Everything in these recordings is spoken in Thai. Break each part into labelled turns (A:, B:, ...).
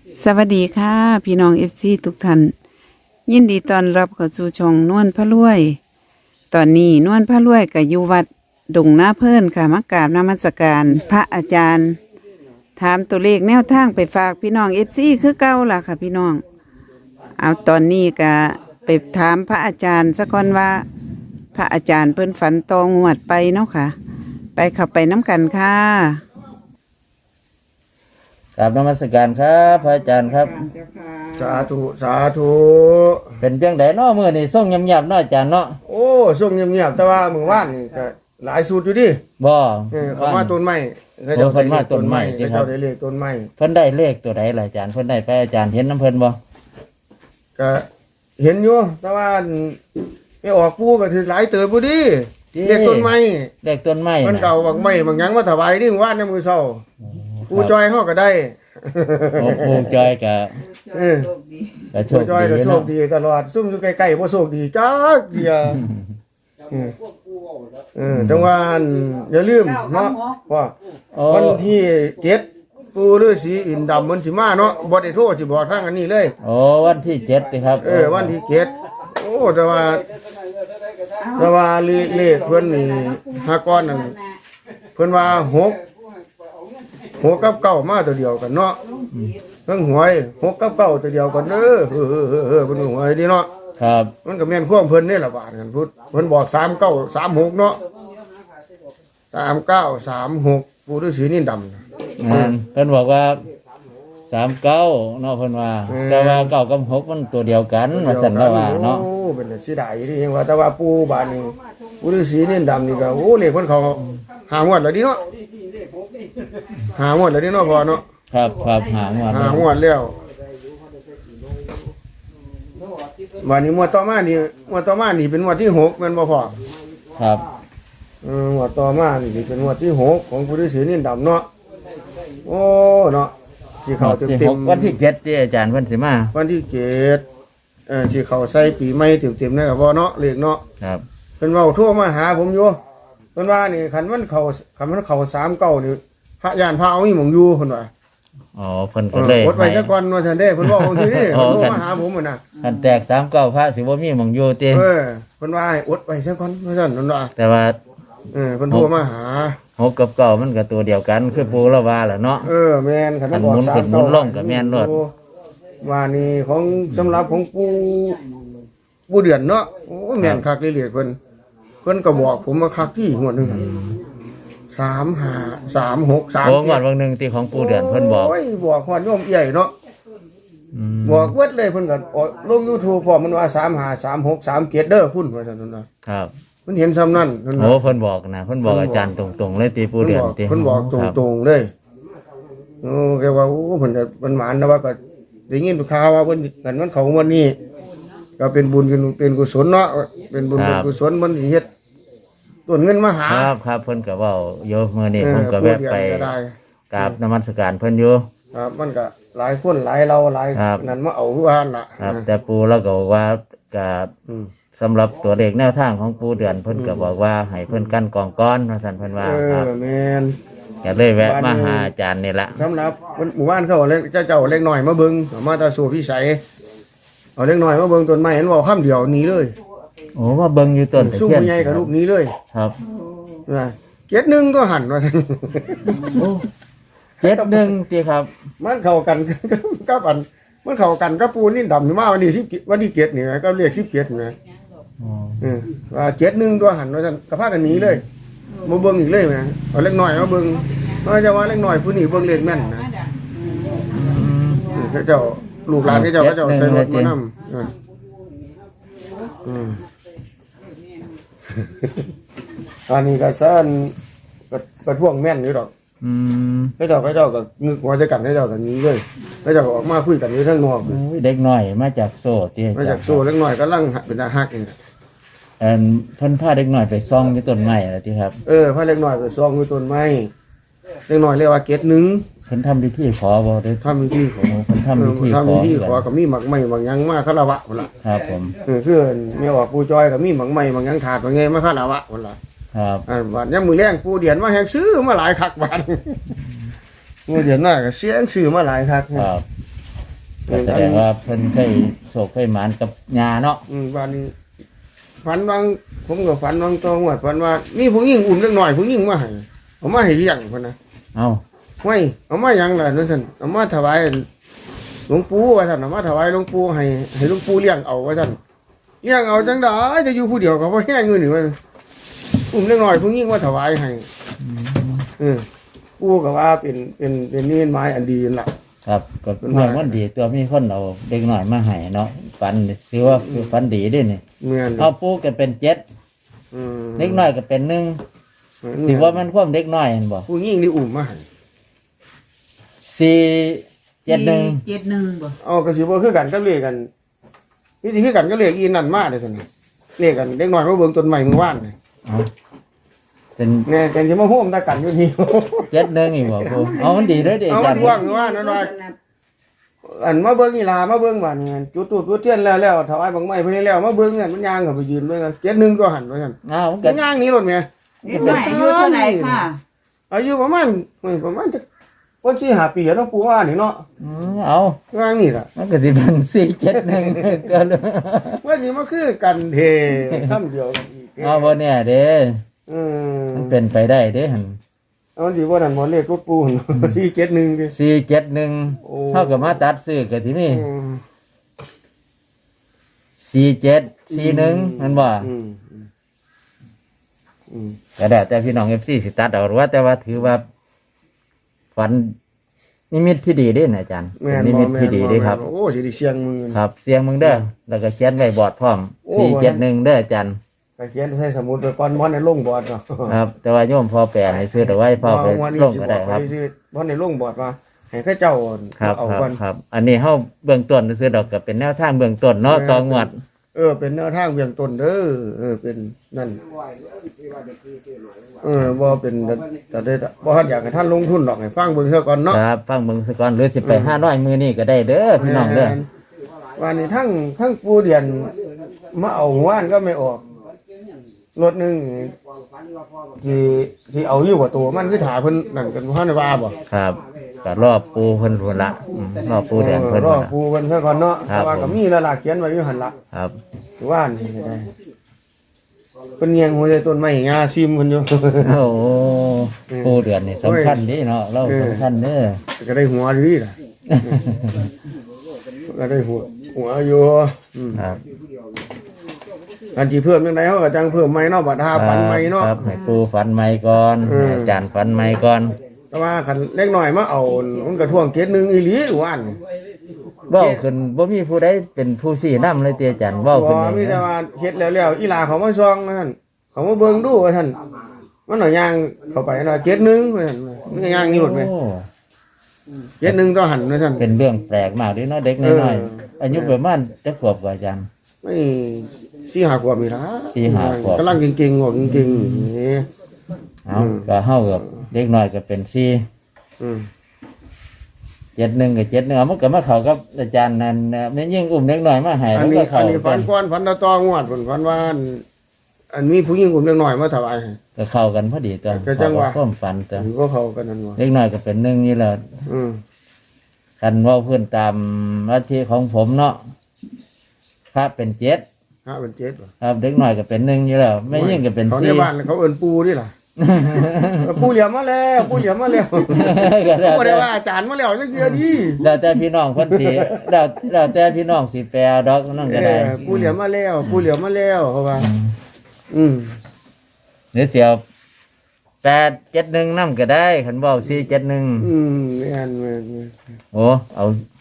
A: สวัสดีค่ะพี่น้องFCทุกท่านยินดีต้อนรับเข้าสู่ช่องนวลพระรวย ตอนนี้นวลพระรวยกับอยู่วัดดงนาเพิ่นค่ะมากราบนมัสการพระอาจารย์ ถามตัวเลขแนวทางไปฝากพี่น้อง FC คือเก่าล่ะค่ะพี่น้อง เอาตอนนี้ก็ไปถามพระอาจารย์สักก่อนว่า พระอาจารย์เพิ่นฝันตองวดไปเนาะค่ะ ไปขับไปน้ำกันค่ะ
B: กราบนมัสการครับพระอาจารย์ครับ
C: สาธุสาธุ
B: เป็นจังไดเนาะมื้อนี้ส่งเงียบๆเนาะอาจารย์เนาะ
C: โอ้ส่งเงียบๆแต่ว่ามื้อวานนี่ก็หลายสูตรอยู่ดิ
B: บ่
C: เขามาต้นไม้
B: โอ้เพิ่นมาต้นไม้สิครับ
C: เขาได้เลขต้นไม้
B: เพิ่นได้เลขตัวใดล่ะอาจารย์เพิ่นได้ไปอาจารย์เห็นน้ำเพิ่นบ่
C: ก็เห็นอยู่แต่ว่าไม่ออกปูก็ถือหลายเติบบ่ดิเลขต้นไม้
B: เลขต้นไม้
C: มัน
B: น่ะ
C: เก่าบางไม้บางหยังมาถวายดิมื้อวานในมื้อเช้าปูจอยเฮาก็ได้
B: โอ้ปู่จอยก็
C: เออ
B: ก็โช
C: ปู
B: ค
C: จอยก็
B: ดี
C: โช
B: เนาะ
C: คดีตลอดซุ่มอยู่ใกล้ๆบ่โชคดีจักเดียจังว่าอย่าลืมเนาะว่า
B: โอ้
C: วันที่7ปู่ฤาษีอินทร์ดำมันสิมาเนาะบ่ได้โทรสิบอกทางอันนี้เลย
B: โอ้วันที่7สิครับ
C: วันที่7โอ้แต่ว่าเลขเพิ่นนี่หาก้อนนั่นเพิ่นว่า6กับ9มาตัวเดียวกันเนาะเพิ่งหวย6กับ9ตัวเดียวกันเด้อเพิ่นหวยดีเนาะ
B: ครับ
C: มันก็แม่นความเพิ่นนี่ล่ะบาดกันพุทธเพิ่นบอก3936เนาะ3936ปู่ฤาษีนี่ดำ
B: เพิ่นบอกว่า39เนาะเพิ่นว่าแต่ว่า9กับ6มันตัวเดียวกันว่าซั่นแล้วว่าเนาะ
C: โอ้เป็นสิได้ที่ยังว่าแต่ว่าปู่บ้านนี้ปู่ฤาษีนี่ดำนี่ก็โอ้เลขเพิ่นเขาหางวดแล้วดิเนาะหางวดแล้วดิเนาะพ่อเนาะ
B: ครับครับหางว่า
C: หางวดแล้ววันนี้งวดต่อมานี่เป็นงวดที่6แม่นบ่พ่อ
B: ครับ
C: งวดต่อมานี่สิเป็นงวดที่6ของปู่ฤาษีนี่ดำเนาะโอ้เนาะสิเข้าเต็มๆ
B: วันที่7ที่อาจารย์เพิ่นสิมา
C: วันที่สิเข้าใส่ปีใหม่เต็มๆนะครับพ่อเนาะเลขเนาะ
B: ครับ
C: เพิ่นเว้าโทรมาหาผมอยู่เพิ่นว่านี่คันมันเข้า39นี่พระยานพระเอาอีหมองอยู่เพิ่นว่า
B: อ๋อเพิ่นก็เลย
C: กดไว้ซะก่อนว่าซั่นเด้เพิ่นเว้าจังซี่เด้
B: อ๋อ
C: เพิ่นโทร
B: กัน
C: มาหาผมน่ะ
B: คันแตก39พระสิบ่มีหม่องอยู่ติ
C: เพิ่นว่าให้อดไว้ซะก่อนว่าซั่นเพิ่นว่า
B: แต่ว่า
C: เพิ่นโทรมาหา
B: 6กับ9มันก็ตัวเดียวกันคือปู่ละว่าแหละเนาะ
C: แม่นคัน
B: คัน
C: บอก
B: หมุนขึ้นหมุนลงก็แม่นโลด
C: ว่านี่ของสำหรับของปู่เดือนเนาะโอ้แม่นคักเลยเพิ่นก็บอกผมมาคักที่งวดหนึง3536
B: โอ้งวดวันหนึงที่ของปู่เดือนเพิ่นบอก
C: โอ้ยบอกฮอดโยมใหญ่เนาะ
B: อืม
C: บอกเวิดเลยเพิ่นก็ลง YouTube พร้อมมันว่า353637เด้อคุณว่าซั่นน่ะ
B: ครับ
C: เพิ่นเห็นซ้ำนั้นเพิ่น
B: โอ้เพิ่นบอกนะเพิ่นบอกอาจารย์ตรงๆเลยตีปู่เดือนติ
C: เพิ่นบอกตรงๆเลยแกว่าโอ้เพิ่นก็เพิ่นหมานนะว่าก็ได้ยินข่าวว่าเพิ่นกันมันเข้าวันนี้ก็เป็นบุญเป็นกุศลเนาะเป็นบุญเป็นกุศลมันสิเฮ็ดต้นเงินมาหา
B: ครับครับเพิ่นก็เว้าอยู่มื้อนี้ผมก็แวะไป
C: ผู้เดียวก็ได้
B: กราบนมัสการเพิ่นอยู่
C: ครับมันก็หลายคนหลายเราหลาย
B: ครับ
C: นั่นมาเอาคือว่านั่นล่ะ
B: ครับ แต่ปู่เราก็บอกว่าก็
C: อืม
B: สำหรับตัวเลขแนวทางของปู่เดือนเพิ่นก็บอกว่าให้เพิ่นกั้นกองก้อนว่าซั่นเพิ่นว่าครับ
C: แม่น
B: ก็เลยแวะมาหาอาจารย์นี่ละ
C: สำหรับหมู่บ้านเขาเอาเจ้าเล็กน้อยมาเบิ่งเอามาตาสู่พิสัยเอาเล็กน้อยมาเบิ่งต้นไม้เห็นว่าคำเดียวหนี้เลย
B: โอ้ว่าเบิ่งอยู่ต้นตะ
C: สู้
B: เคียน
C: ผู้ใหญ่กับลูกหนี้เลย
B: ครับ
C: นะเจ็ดหนึ่งก็หันว่าซั่น
B: โอ้71ติครับ
C: มันเข้ากัน กับอันมันเข้ากันกับปูนนี่ดำนี่มาวันที่10วันที่7นี่นะก็เรียก17นี่นะ
B: อ๋อ
C: ว่าเจ็ดหนึ่งตัวหันว่าซั่นก็พากันหนีเลยบ่เบิ่งอีกเลยแหมเอาเล็กน้อยมาเบิ่งว่าจะว่าเล็กน้อยผู้นี้เบิ่งเลขแม่นนะเขาเจ้าลูกหลานเขาเจ้าใส่รถมานำอันนี้ก็ซ่านก็ท่วงแม่นอยู่ดอก
B: อืม
C: เขาเจ้าก็งึกหัวจะกันเขาเจ้าก็หนีเลยเขาเจ้าก็ออกมาคุยกันอยู่ทางนอก
B: โอ้ยเด็กน้อยมาจากโซ่ติอา
C: มา
B: จา
C: จาก
B: รย์
C: โซ่เล็กน้อยกำลังเป็นอาฮักนี่
B: เพิ่นพาเด็กน้อยไปซ่องอยู่ต้นไม้แล้วติครับ
C: พาเล็กน้อยไปซองอยู่ต้นไม้เล็กน้อยเรียกว่าเกตหนึ่ง
B: เพิ่นทำพิธีขอบ่ได้
C: ทำพิธีขอ
B: โอ้เพิ่นทำพิธีขอ
C: ทำพิธีขอกับมีหมักไม้บางหยังมาคารวะคนละ
B: ครับผม
C: คือแม่ว่าปู่จอยกับมีหมักไม้บางหยังขาดบางไงมาคารวะคนละ
B: ครับ
C: บาดยามมือแรงปู่เดียนมาแหงซื้อมาหลายคักบาดมือเดียนน่าก็เสียงซื้อมาหลายคัก
B: ครับก็แสดงว่าเพิ่นเคยโศกเคยหมานกับยาเนาะ
C: วันนี้ฝันวางผมก็ฝันวางตองว่าฝันว่านี่ผู้หญิงอุ้มเล็กหน่อยผู้หญิงมาให้เอามาให้เลี้ยงพุ่นนะ
B: เอา
C: ไม่เอามาหยังล่ะนั่นซั่นเอามาถวายหลวงปู่ว่าซั่นเอามาถวายหลวงปู่ให้หลวงปู่เลี้ยงเอาว่าซั่นเลี้ยงเอาจังได๋จะอยู่ผู้เดียวก็บ่แห้งเงินนี่ว่าอุ้มเล็กหน่อยผู้หญิงมาถวายให้ปู่ก็ว่าเป็นนิมิตหมายอันดีนั่นล่ะ
B: ครับก็เมื่อวันดีตัวมีคนเอาเด็กหน่อยมาให้เนาะฝันถือว่าคือฝันดีเด้วยนี่
C: แม่น
B: เอาปูก็เป็น7เด็กน้อยก็เป็น1สิว่ามันความเด็กน้อยเห็นบ่
C: ผู้หญิงนี่อุ้มมาให้
B: 471
A: 71บ่
C: เอาก็สิบ่คือกันกับเลขกันนี่สิคือกันกับเลขอีนั่นมาเด้อซั่นนี่เลขกันเด็กน้อยมาเบิ่งต้นไม้เมื่อวานนี่
B: เอาเป็น
C: แน่แต่สิมาโฮมตากันอยู่นี่
B: 71อีกบ่ปูเอามันดีเด้อเด้
C: เอา
B: อาจารย์
C: ว่างว่าน้อยอันมาเบิ่งอีหลามาเบิ่งบ้านจุดตูดจุดเทียนแล้วถวายบังไม้เพิ่นแล้วมาเบิ่งกันมันย่างเข้าไปยืนเบิ่งกัน71ก็หันว่าซั่น
B: เอามัน
C: ก็
B: ก็
C: ย่างหนี้รถแม่
A: เด็กน้อยอายุเท่าไหร่ค่ะ
C: อายุประมาณจักคน4-5ปีเนาะปู่ว่านี่เนาะ
B: เอา
C: ย่างนี่ล่ะ
B: มันก็สิเป็น471ก็เลย
C: ว่าสิมาคือกันเทคำเดียวกันอีก
B: เอาบ่เนี่ยเด้มันเป็นไปได้เด้หั่น
C: เอาสิบ่นั่นบ่เลขรถปู่หั่น471ดิ
B: 471
C: โอ้
B: เท่ากับมาตัดซื้อก็ที่นี่
C: อืม
B: 4741มันบ่ ก็ได้แต่พี่น้องFCสิตัดเอาหรือว่าแต่ว่าถือว่าฝันนิมิตที่ดีเด้นะอาจารย์
C: แม่น
B: นิมิตที่ดีเด้ครับ
C: โอ้สิได้เสียงมือ
B: ครับเสียงมึงเด้อแล้วก็เขียนไว้บอร์ดพร้อม
C: โอ้
B: 471เด้ออาจารย์
C: ไปเขียนใส่สมุดไปก่อนบ่ได้ลงบอร์ดเนาะ
B: ครับ แต่ว่าโยมพอแปลให้ซื้อแต่ว่าพ่อไปลงก็ได้ครับ
C: บ่ได้ลงบอร์ดว่าให้เขาเจ้า
B: ครับ
C: เอา
B: ครับ
C: ก่อน
B: ครับ อันนี้เฮาเบื้องต้นซื้อดอกก็เป็นแนวทางเบื้องต้นเนาะต่องวด
C: เป็นแนวทางเบื้องต้นเด้อเป็นนั่นบ่เป็นแต่ได้บ่ทันอยากให้ท่านลงทุนดอกให้ฟังเบิ่งซะก่อนเนาะ
B: ครับฟังเบิ่งซะก่อนหรือสิไป500มื้อนี้ก็ได้เด้อพี่น้องเด้อ
C: วันนี้ทั้งปูเดียนมาเอาว่านก็ไม่ออกรถหนึงที่เอาอยู่กับตัวมันคือถาเพิ่นนั่นกันบ่ทันได้ว่าบ่
B: ครับก็รอบปูเพิ่นพุ่นละรอบปูแดงเพิ่น
C: รอ
B: พุ่นละ
C: ปูเพิ่นซะก่อนเนาะ
B: ครับ
C: แต่ว่าก็มีแล้วล่ะเขียนไว้อยู่หั่นล่ะ
B: ครับ
C: ว่านนี่ก็ได้เพิ่นเงียงหัวใจต้นไม้งาซิมเพิ่นอยู่
B: โอ้โหปูเดือนนี่สำคัญเดีเนาะเราสำคัญเด้อ
C: ก็ได้หัวดีล่ะก็ได้หัวอยู่
B: ครับ
C: อันที่เพิ่มจังไดเฮาก็จังเพิ่มใหม่เนาะบัดหาปันใหม่เนาะ
B: ครับให้ปูฝันใหม่ก่อนให้อาจารย์ฝันใหม่ก่อน
C: แต่ว่าคันเล็กน้อยมาเอามันก็ท่วงเกตนึงอีหลีว่าน
B: เว้าขึ้นบ่มีผู้ใดเป็นผู้ชี้นำเลยติอาจารย์เว้า
C: บ่
B: ขึ้นเอง
C: มีแต่
B: นะ
C: ว่าเฮ็ดแล้วอีหลาเขามาซองนั่นเขามาเบิ่งดูว่าท่านมันเอาย่างเข้าไปเนาะเกตนึงว่าซั่นมันก็ย่างนี่หมดแม่
B: โอ้
C: เกตนึงต้องหันว่าซั่น
B: เป็นเรื่องแปลกมากเด้เนาะเด็กน้อยๆอายุประมาณจักขวบกว่าอาจารย์
C: ไม่4-5ขวบมีล่ะ
B: 4-5 ขวบ
C: กำลังเก่งๆบอกเก่งๆนี่
B: เอาก็เฮากับเด็กน้อยก็เป็น4
C: อืม
B: 71กับ71มันก็มาเข้ากับอาจารย์นั่นแม่ยิ่งอุ้มเด็กน้อยมาให้
C: อั
B: มัน น
C: นี้
B: ก็เข้า
C: ฝั
B: กัน น
C: ก่อนฝันตองวดฝันว่าอันมีผู้หญิงกลุ่มเล็กน้อยมาถวายให้
B: ก็เข้ากันพอดีตัว
C: ก็จังหวะ
B: ความฝันตัว
C: ก็เขากันนั่นว่า
B: เล็กน้อยก็เป็น1นี่แหละ
C: อืม
B: กันเว่าเพื่อนตามลัทธิของผมเนาะพระเป็น7
C: ฮะเป็นเจ็ดบ่
B: ครับเด็กน้อยก็เป็น1อยู่แล้วแม่ยิ่งก็เป็น
C: เขาในบ้านเขาเอิ้นปูนี่ล่ะ ปูเหลี่ยมมาแล้วปูเหลี่ยมมาแล้ว
B: ก็แล้ว
C: บ่ได้
B: แต่
C: ว่าอาจารย์มาแล้วจังเทื่อดี
B: แล้วแต่พี่น้องเพิ่นสิแล้วแต่พี่น้องสิแปลดอกนั่นก็ได้
C: ปูเหลี่ยมมาแล้วปูเหลี่ยมมาแล้วเขาว่า อืม
B: หรือเสียว871นำก็ได้คันเว้า471
C: อืมแม่น
B: โอ้เอา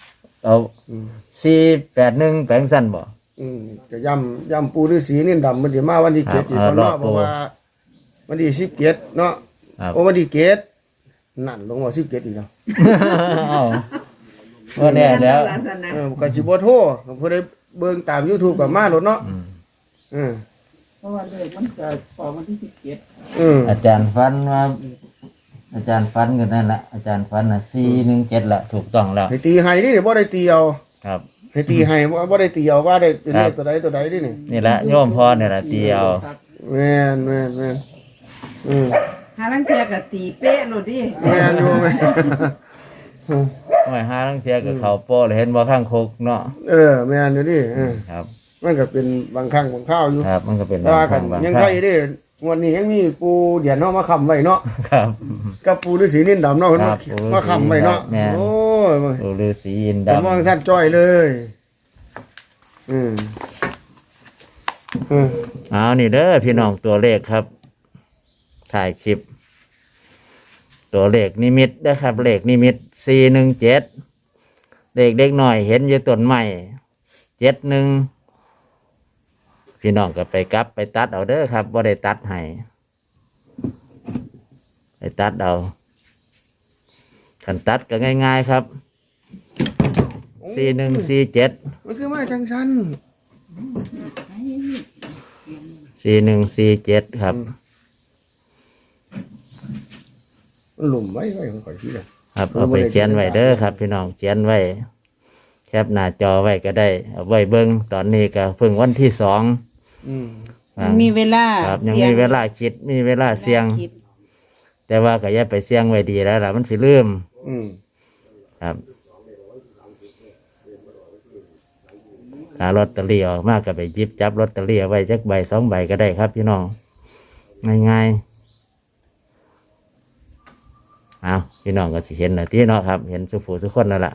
B: 481แปลงสั้นบ่
C: ก็ย่ำปูฤาษีนี่ดำมันสิมาวันที่7อีก
B: ครับ
C: เนาะ
B: รอบ
C: เพ
B: ปู
C: ราะว่าวันที่17เนาะ
B: ครับ
C: โอ้วันที่7นั่นลงว่า17อีกแล้ว
B: เอ้าบ่แน่แล้ว
C: ก็สิบ่โทรผู้ใดเบิ่งตาม YouTube ก็มาโลดเนาะ
A: เพราะว่าเลขมันจะออกวันที่17
B: อาจารย์ฟันว่าอาจารย์ฟันกันนั่นแหละอาจารย์ฟันน่ะ417ละถูกต้องแล้ว
C: ให้ตีให้นี่บ่ได้ตีเอา
B: ครับ
C: ให้ตีให้บ่ได้ตีเอาว่าได้เป็นเลขตัวใดนี่นี่
B: นี่แหละโยมพ่อเนี่ยละเดียว
C: แม่น
A: หาลังเทียก็ตีเป๊ะโลดดิ
C: แม่นอยู่แม่น
B: หน่วยห้าทั้งเทียกับเขาโป้เลยเห็นว่าข้างโคกเนาะ
C: แม่นอยู่ดิ
B: ครับ
C: มันก็เป็นบางครั้งบางข้าวอยู่
B: ครับมันก็เป็น
C: แต่ว่า
B: บางครั้งบาง
C: ยัง
B: ค
C: ใคร
B: รั้ง
C: ดิงวดนี้ยังมีปูเดียนเนาะมาค้ำไว้เนาะ
B: ครับ
C: กับปูฤาษีนินดำเนาะเพิ่น
B: ครับ
C: มาค้ำไว้เนาะ
B: แม่น
C: โอ้ย
B: ดูฤาษีอิน
C: ผม
B: ดำ
C: มองท่านจ้อยเลยอืม
B: เอานี่เด้อพี่น้องตัวเลขครับ ถ่ายคลิป ตัวเลขนิมิตนะครับเลขนิมิต417เลขเด็กหน่อยเห็นอยู่ต้นไม้71พี่น้องก็ไปกลับไปตัดเอาเด้อครับบ่ได้ตัดให้ไปตัดเอาคันตัดก็ง่ายๆครับ4147
C: มันคือไม้จังชัน
B: 4147ครับ
C: มันหลุมไว้ของข่อยที่ละ
B: ครับเอาไปเขียนไว้เด้อครับ พี่น้องเขียนไว้แคปหน้าจอไว้ก็ได้เอาไว้เบิ่งตอนนี้ก็เพิ่งวันที่2
A: ยังมีเวลา
B: ครับยัง
A: สี่
B: มีเวลาคิดมีเวลาเสี่ยง
A: คิด
B: แต่ว่าก็อย่าไปเสี่ยงไว้ดีแล้วล่ะมันสิลืม
C: อืม
B: ครับหาลอตเตอรี่ออกมากก็ไปหยิบจับลอตเตอรี่เอาไว้จักใบ2 ใบก็ได้ครับ พี่น้องง่ายๆเอาพี่น้องก็สิเห็นนะที่เนาะครับ เห็นสุผู้ทุกคนแล้วล่ะ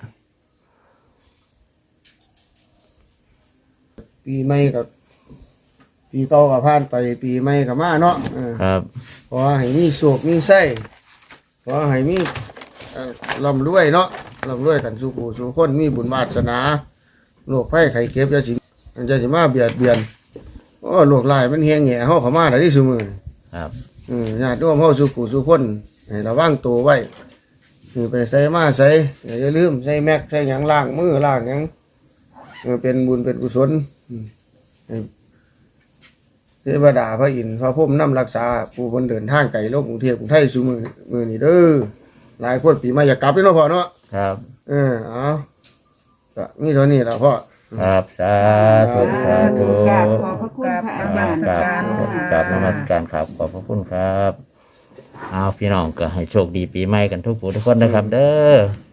C: ปีใหม่กับปีเก่ากับผ่านไปปีใหม่กับมาเนาะ
B: ครับ
C: ขอให้มีโศกมีไส้ขอให้มีร่ำรวยเนาะร่ำรวยกันสู่ผู้สู่คนมีบุญวาสนาโรคภัยไข้เจ็บจะสิมาเบียดเบียนโอ้โรคร้ายมันแห้งแหง่เฮาเข้ามาได้ที่ซุมื้อ
B: ครับ
C: ญาติร่วมเฮาสู่ผู้สู่คนให้ระวังตัวไว้ไปใส่มาใส่อย่าลืมใส่แม็กใส่หยังล้างมือล้างหยังเป็นบุญเป็นกุศลให้เทวดาพระอินทร์พระพรหมนำรักษาผู้คนเดินทางไกลโลกกรุงเทพกรุงไทยสู่มือนี่เด้อหลายคนปีใหม่อยากกลับเนาะพ่อเนาะ
B: ครับ
C: เอาก็มีเท่านี้ล่ะพ่อ
B: ครับสาธุสาธุ
A: กราบขอบพระคุณพระอาจารย์
B: กราบนมัสการครับขอบพระคุณครับเอาพี่น้องก็ให้โชคดีปีใหม่กันทุกผู้ทุกคนนะครับ เด้อ